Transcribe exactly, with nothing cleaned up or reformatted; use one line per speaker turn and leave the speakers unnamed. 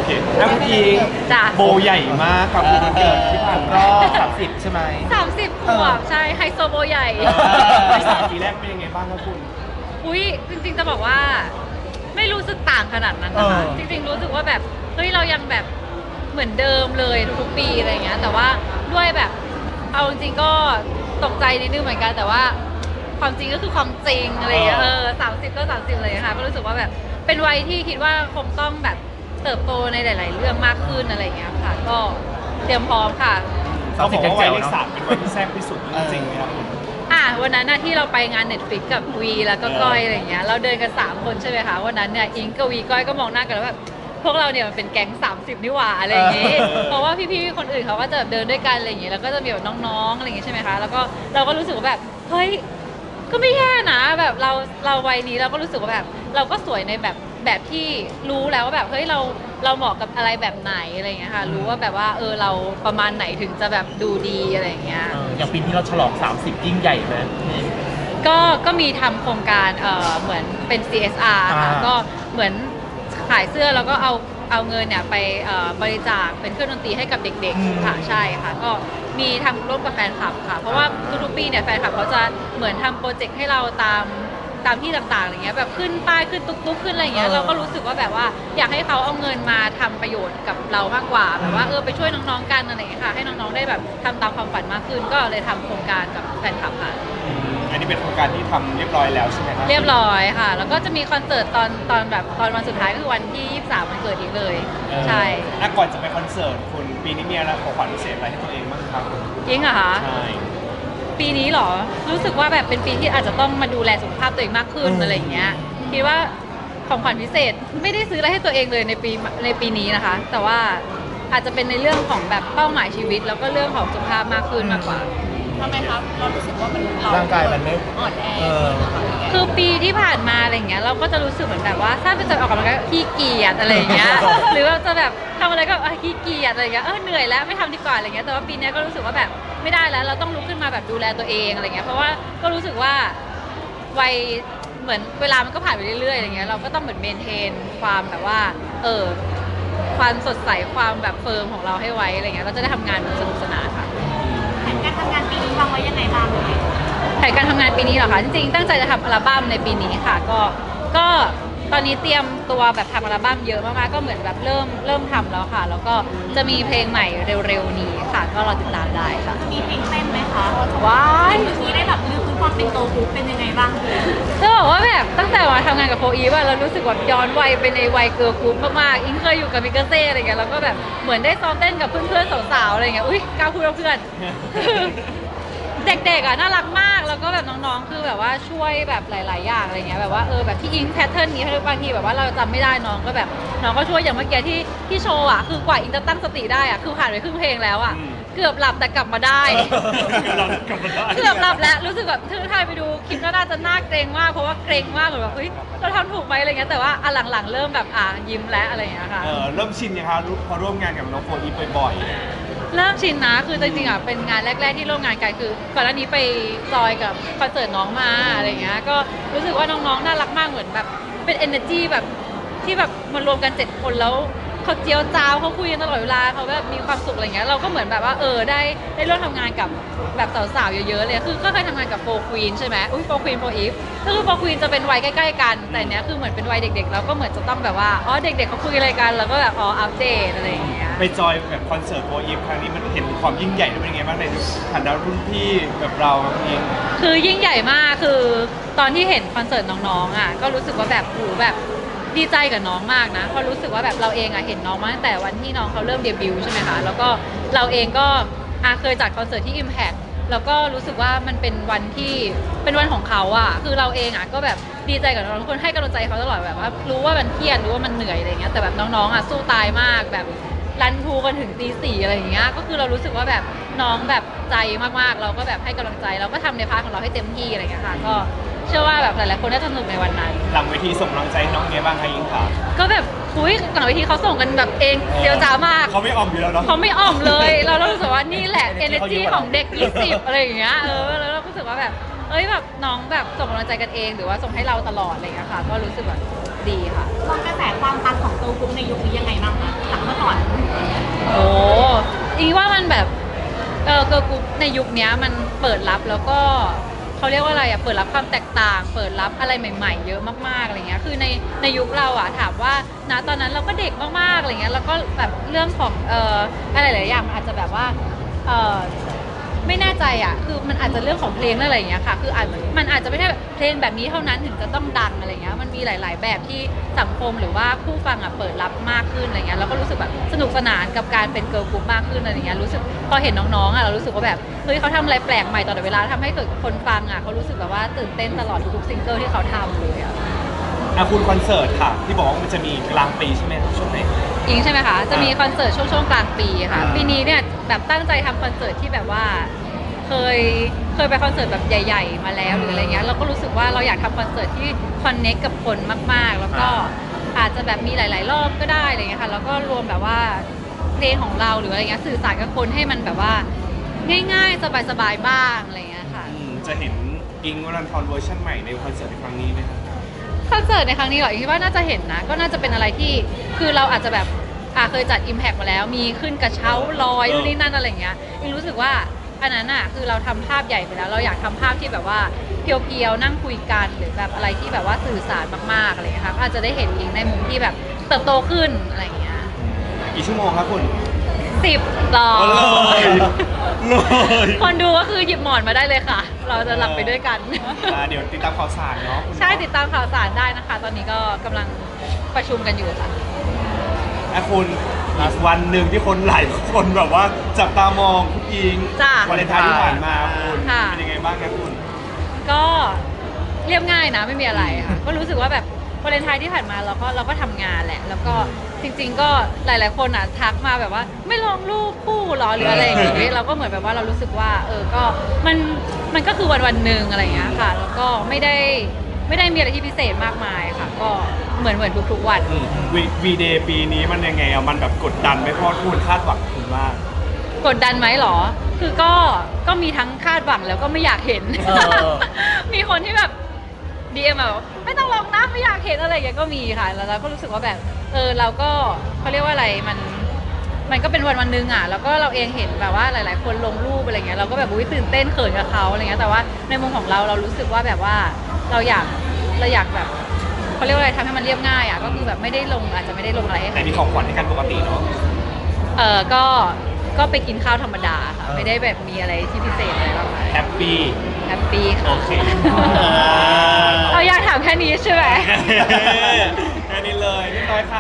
เคแล้วคุณอิงโบใหญ่มากกับวันเกิดที่ผ่านรอบสามสิบใช่ไหม
สามสิบขวบใช่ไฮโซโบใหญ่
ในสามปีแรกเป็นยังไงบ้างครับคุณ
อุ้ยจริงๆจะบอกว่าไม่รู้สึกต่างขนาดนั้นนะคะจริงๆรู้สึกว่าแบบเฮ้ยเรายังแบบเหมือนเดิมเลยทุกปีอะไรเงี้ยแต่ว่าด้วยแบบเอาจริงๆก็ตกใจนิดนึงเหมือนกันแต่ว่าความจริงก็คือความจริงอะไรเงี้ยเออสามสิบก็สามสิบเลยค่ะก็รู้สึกว่าแบบเป็นวัยที่คิดว่าคงต้องแบบเติบโตในหลาย ๆ เรื่องมากขึ้นอะไรเงี้ยค่ะก็เตรียมพร้อมค่ะ
เขาบอกว่าวัยเลขสามเป็นวัยที่แซ่บที่สุดจริงไหมครับ
อ่ะวันนั้นนะที่เราไปงาน Netflix กับวีแล้วก็ก้อยอะไรเงี้ยเราเดินกันสามคนใช่ไหมคะวันนั้นเนี่ยอิงกับวีก้อยก็มองหน้ากันแล้วแบบพวกเราเนี่ยมันเป็นแก๊งสามสิบนี่หว่าอะไรอย่างงี้เพราะว่าพี่ๆคนอื่นเขาก็จะเดินด้วยกันอะไรอย่างงี้แล้วก็จะมีแบบน้องๆอะไรอย่างงี้ใช่ไหมคะแล้วก็เราก็รู้สึกว่าแบบเฮ้ยก็ไม่แย่นะแบบเราเราวัยนี้เราก็รู้สึกว่าแบบเราก็สวยในแบบแบบที่รู้แล้วว่าแบบเฮ้ยเราเราเหมาะกับอะไรแบบไหนอะไรอย่างเงี้ยค่ะรู้ว่าแบบว่าเออเราประมาณไหนถึงจะแบบดูดีอะไรอย่างเงี้ย
อย่างปีที่เราฉลองสามสิบยิ่งใหญ่ไหม
ก็ก็มีทำโครงการเอ่อเหมือนเป็น ซี เอส อาร์ ค่ะก็เหมือนขายเสื้อแล้วก็เอาเอาเงินเนี่ยไปบริจาคเป็นเครื่องดนตรีให้กับเด็กๆค่ะใช่ค่ะก็มีทำร่วมกับแฟนคลับค่ะเพราะว่าทุกๆปีเนี่ยแฟนคลับเขาจะเหมือนทำโปรเจกต์ให้เราตามตามที่ต่างๆอะไรเงี้ยแบบขึ้นป้ายขึ้นตุ๊กๆขึ้นอะไรเงี้ยเราก็รู้สึกว่าแบบว่าอยากให้เขาเอาเงินมาทำประโยชน์กับเรามากกว่าแบบว่าเออไปช่วยน้องๆกันอะไรเงี้ยค่ะให้น้องๆได้แบบทำตามความฝันมากขึ้นก็เลยทำโครงการกับแฟนคลับค่ะ
อันนี้เป็นโครงการที่ทำเรียบร้อยแล้วใช่ไหมครับ
เรียบร้อยค่ะแล้วก็จะมีคอนเสิร์ตตอนตอนแบบตอนวันสุดท้ายก็คือวันที่ยี่สิบสามวันเกิดอีกเลยใช่
อ่ะก่อนจะไปคอนเสิร์ตคุณปีนี้มีอะไรของขวัญพิเศษอะไรให้ตัวเองบ้างครับ
จริงเหรอคะ
ใช่
ปีนี้หรอรู้สึกว่าแบบเป็นปีที่อาจจะต้องมาดูแลสุขภาพตัวเองมากขึ้นอะไรอย่างเงี้ยคิดว่าของขวัญพิเศษไม่ได้ซื้ออะไรให้ตัวเองเลยในปีในปีนี้นะคะแต่ว่าอาจจะเป็นในเรื่องของแบบเป้าหมายชีวิตแล้วก็เรื่องของสุขภาพมากขึ้นมากกว่า
ทำไมครับเรารู้สึกว่ามัน
ร่างกายมันไม่
อ่อนแอ
คือปีที่ผ่านมาอะไรเงี้ยเราก็จะรู้สึกเหมือนแบบว่าถ้าเป็นจะออกกำลังกายขี้เกียจอะไรเงี้ยหรือว่าจะแบบทำอะไรก็ขี้เกียจอะไรเงี้ยเออเหนื่อยแล้วไม่ทำดีกว่าอะไรเงี้ยแต่ว่าปีนี้ก็รู้สึกว่าแบบไม่ได้แล้วเราต้องลุกขึ้นมาแบบดูแลตัวเองอะไรเงี้ยเพราะว่าก็รู้สึกว่าวัยเหมือนเวลามันก็ผ่านไปเรื่อยๆอะไรเงี้ยเราก็ต้องเหมือนเมนเทนความแบบว่าเออความสดใสความแบบเฟิร์มของเราให้ไว้อะไรเงี้ยเราจะได้ทำงานสนุกสนานค่ะ
แผนการทำงานปีนี้วางไว้ยังไงบ้างเลย
แผนการทำงานปีนี้เหรอคะจริงๆตั้งใจจะทำอัลบั้มในปีนี้ค่ะก็ก็ตอนนี้เตรียมตัวแบบทำอัลบั้มเยอะมากๆก็เหมือนแบบเริ่มเริ่มทำแล้วค่ะแล้วก็จะมีเพลงใหม่เร็วๆนี้ค่ะก็รอติดตามได้ค่ะ
มีเพลงเต้นไหมคะ
ว้าย
เมื่อกี้ได้แบบลืมคุณความเป็นโตกรุ๊ปเป็นยังไงบ้าง
จะบอกว่าแบบตั้งแต่มาทำงานกับโฟอีว่าเรารู้สึกแบบย้อนวัยไปในวัยเกิร์ลกรุ๊ปมากๆอิงเคยอยู่กับมิกาเซ่อะไรเงี้ยแล้วก็แบบเหมือนได้ซ้อมเต้นกับเพื่อนๆสาวๆอะไรเงี้ยอุ้ยกล้าพูดว่าเพื่อนเด็กๆอ่ะน่ารักมากแล้วก็แบบน้องๆคือแบบว่าช่วยแบบหลายๆอย่างอะไรเงี้ยแบบว่าเออแบบที่อิงแพทเทิร์นนี้บางทีแบบว่าเราจำไม่ได้น้องก็แบบน้องก็ช่วยอย่างเมื่อกี้ที่ที่โชว์อ่ะคือกว่าอิงจะตั้งสติได้อ่ะคือผ่านไปครึ่งเพลงแล้วอ่ะเกือบหลับแต่กลับมาได้เกือบหลับแล้วรู้สึกแบบถ้าใครไปดูคลิปน่าจะน่าเกรงมากเพราะว่าเกรงมากเหมือนแบบเฮ้ยเราทำถูกไหมอะไรเงี้ยแต่ว่าอันหลังๆเริ่มแบบอ่ะยิ้มแล้วอะไรเงี้ยค่ะ
เออเริ่มชินยังคะพอร่วมงานกับน้องโฟอีฟบ่อย
เริ่มชินนะคือจริงๆอ่ะเป็นงานแรกๆที่ร่วมงานกันคือก่อนหน้านี้ไปจอยกับคอนเสิร์ตน้องมาอะไรเงี้ยก็รู้สึกว่าน้องๆน่ารักมากเหมือนแบบเป็น energy แบบที่แบบมารวมกันเจ็ดคนแล้วเขาเจียวจ้าวเขาคุยกันตลอดเวลาเขาแบบมีความสุขอะไรเงี้ยเราก็เหมือนแบบว่าเออได้ได้ร่วมทำงานกับแบบสาวๆเยอะๆเลยคือก็เคยทำงานกับโฟควีนใช่ไหมอุ้ยโฟควีนโฟอีฟก็คือโฟควีนจะเป็นวัยใกล้ๆกันแต่เนี้ยคือเหมือนเป็นวัยเด็กๆแล้วก็เหมือนจะต้องแบบว่าอ๋อเด็กๆเขาคุยอะไรกันแล้วก็แบบอ๋ออัปเดตอะไรอย่างเงี้ย
ไปจอยแบบคอนเสิร์ตโฟอีฟครั้งนี้มันเห็นความยิ่งใหญ่เป็นยังไงบ้างในฐานะรุ่นพี่แบบเราเอง
คือยิ่งใหญ่มากคือตอนที่เห็นคอนเสิร์ตน้องๆอ่ะก็รู้สึกว่าแบบหูแบบดีใจกับน้องมากนะเพราะรู้สึกว่าแบบเราเองอ่ะเห็นน้องมาตั้งแต่วันที่น้องเขาเริ่มเดบิวต์ใช่ไหมคะแล้วก็เราเองก็อ่ะเคยจัดคอนเสิร์ตที่ Impact แล้วก็รู้สึกว่ามันเป็นวันที่เป็นวันของเขาอ่ะคือเราเองอ่ะก็แบบดีใจกับน้องทุกคนให้กำลังใจเขาตลอดแบบว่ารู้ว่ามันเครียดรู้ว่ามันเหนื่อยอะไรเงี้ยแต่แบบน้องๆอ่ะสู้ตายมากแบบรันทูกันถึงตีสี่อะไรอย่างเงี้ยก็คือเรารู้สึกว่าแบบน้องแบบใจมากๆเราก็แบบให้กำลังใจเราก็ทำในพาร์ทของเราให้เต็มที่อะไรเงี้ยค่ะก็เชื่อว่าแบบหลายๆคนน่าจะสนุกในวันนั้น
หลังเวทีส่งกำลังใจให้น้องไงบ้างคะอิงค่ะ
ก็แบบอุ้ยหลังเวทีเขาส่งกันแบบเองเดียวจ้ามาก
เขาไม่อ่อมอยู่แล้วเนาะ
เขาไม่อ่อมเลยเรารู้สึกว่านี่แหละ energy ของเด็กยี่สิบอะไรอย่างเงี้ยเออแล้วเรารู้สึกว่าแบบเอ้ยแบบน้องแบบส่งกำลังใจกันเองหรือว่าส่งให้เราตลอดอะไรอย่างเงี้ยค่ะก็รู้สึกแบบดีค่ะ
มองกระแสความปังของโตกรุ๊ปในยุคนี้ยังไงบ้างคะหลัง
กิร์ลกรุ๊ปในยุคเนี้ยมันเปิดรับแล้วก็เขาเรียกว่าอะไรอ่ะเปิดรับความแตกต่าง เปิดรับอะไรใหม่ ๆ เยอะมากๆอะไรเงี้ยคือในในยุคเราอ่ะถามว่าณตอนนั้นเราก็เด็กมากๆอะไรเงี้ยแล้วก็แบบเรื่องของเอ่ออะไรหลายอย่างมันอาจจะแบบว่าเอ่อไม่แน่ใจอ่ะคือมันอาจจะเรื่องของเพลงอะไรอย่างเงี้ยค่ะคืออาจมันอาจจะไม่ใช่แบบเพลงแบบนี้เท่านั้นถึงจะต้องดังอะไรเงี้ยมันมีหลาย ๆ แบบที่สังคมหรือว่าผู้ฟังอ่ะเปิดรับมากขึ้นอะไรเงี้ยแล้วก็รู้สึกแบบสนุกสนานกับการเป็นเกิร์ลกรุ๊ปมากขึ้นอะไรเงี้ยรู้สึกพอเห็นน้องๆอ่ะเรารู้สึกว่าแบบเฮ้ยเขาทำอะไรแปลกใหม่ตลอดเวลาทำให้เกิดคนฟังอ่ะเขารู้สึกแบบว่าตื่นเต้นตลอดทุกๆซิงเกิลที่เขาทำเลยอ่ะ
อ่ะคุณคอนเสิร์ตค่ะ ที่บอกว่ามันจะมีกลางปีใช่ไหมช่วงไหน
อิงใช่ไหมคะ จะมีคอนเสิร์ตช่วงช่วงกลางปีค่ะ
อ่า
ปีนี้เนี่ยแบบตั้งใจทำคอนเสิร์ตที่แบบว่าเคยเคยไปคอนเสิร์ตแบบใหญ่ ๆ มาแล้วหรืออะไรเงี้ยเราก็รู้สึกว่าเราอยากทำคอนเสิร์ตที่คอนเน็กกับคนมากๆ แล้วก็อาจจะแบบมีหลาย ๆ รอบก็ได้อะไรเงี้ยค่ะแล้วก็รวมแบบว่าเพลงของเราหรืออะไรเงี้ยสื่อสารกับคนให้มันแบบว่าง่าย ๆ สบาย ๆ บ้างอะไรเงี้ยค่ะ
อืมจะเห็นอิงค์วรันทรเวอร์ชันใหม่ในคอนเสิร์ตในครั้งนี้ไหมครับ
คอนเสิร์ตในครั้งนี้เหรออิงคิดว่าน่าจะเห็นนะ ก็น่าจะเป็นอะไรที่คือเราอาจจะแบบอ่ะเคยจัด Impact มาแล้ว มีขึ้นกระเช้าลอย
เออ
นู่นนี่นั่นอะไรอย่างเงี้ยอิงรู้สึกว่าอันนั้นอ่ะคือเราทำภาพใหญ่ไปแล้ว เราอยากทำภาพที่แบบว่าเพียวๆนั่งคุยกันหรือแบบอะไรที่แบบว่าสื่อสารมากๆอะไรอย่างเงี้ยค่ะก็อาจจะได้เห็นอิงในมุมที่แบบเติบโตขึ้นอะไรอย่างเงี้ย
กี่ชั่วโมงครับคุณ
สิบต่อ
เลยเลย
คนดูก็คือหยิบหมอนมาได้เลยค่ะ เราจะหลับไปด้วยกัน
อ่าเดี๋ยวติดตามข่าวสารเนาะคุณ
ใช่ติดตามข่าวสารได้นะคะ ตอนนี้ก็กำลังประชุมกันอยู่ค่ะ
อ่ะคุณอีกวันหนึ่งที่คนหลายคนแบบว่าจับตามองคุณอิง
จ้ะ
วาเลนไทน์ที่ผ่านมาคุณ
ค่ะ
เป็นยังไงบ้างครับคุณ
ก็เรียบง่ายนะไม่มีอะไรค่ะ ก็รู้สึกว่าแบบวาเลนไทน์ที่ผ่านมาเราก็เราก็ทำงานแหละ แล้วก็จริง ๆ ก็หลาย ๆ คนอ่ะทักมาแบบว่าไม่ลงรูปคู่หรอหรืออะไรอย่างงี้เราก็เหมือนแบบว่าเรารู้สึกว่า เออก็มันมันก็คือวันวันๆหนึ่งอะไรอย่างเงี้ยค่ะ แล้วก็ไม่ได้ไม่ได้มีอะไรที่พิเศษมากมายค่ะ ก็เหมือนเหมือนทุกๆวัน
วีวีเดย์ปีนี้มันยังไงอะมันแบบกดดันไหมเพราะว่าคุณคาดหวังคุณมาก
กดดันไหมหรอ คือก็ก็มีทั้งคาดหวังแล้วก็ไม่อยากเห็น
เออ
มีคนที่แบบดีเอ็มแบบไม่ต้องลงนะไม่อยากเห็นอะไรอย่างเงี้ยก็มีค่ะ แล้วเราก็รู้สึกว่าแบบเออเราก็เขาเรียกว่าอะไรมันมันก็เป็นวันวันหนึงอ่ะแล้วก็เราเองเห็นแบบว่าหลาย ๆ คนลงรูปอะไรเงี้ยเราก็แบบอุ้ยตื่นเต้นเขินกับเขาอะไรเงี้ยแต่ว่าในมุมของเราเรารู้สึกว่าแบบว่าเราอยากเราอยากแบบเขาเรียกว่าอะไรทำให้มันเรียบง่ายอ่ะก็คือแบบไม่ได้ลงอาจจะไม่ได้ลงอะไรให้
แต่
ใคร
มีของขวัญให้กันปกติเนาะ
เออก็ ก็ไปกินข้าวธรรมดาค่ะ ไม่ได้แบบมีอะไรที่พิเศษอะไรมากมาย
แฮปปี้
แฮปปี้ค่ะ
โอเค
เอาอยากถามแค่นี้ใช่ไหม
แค่นี้เลยเรียบร้อยค่ะ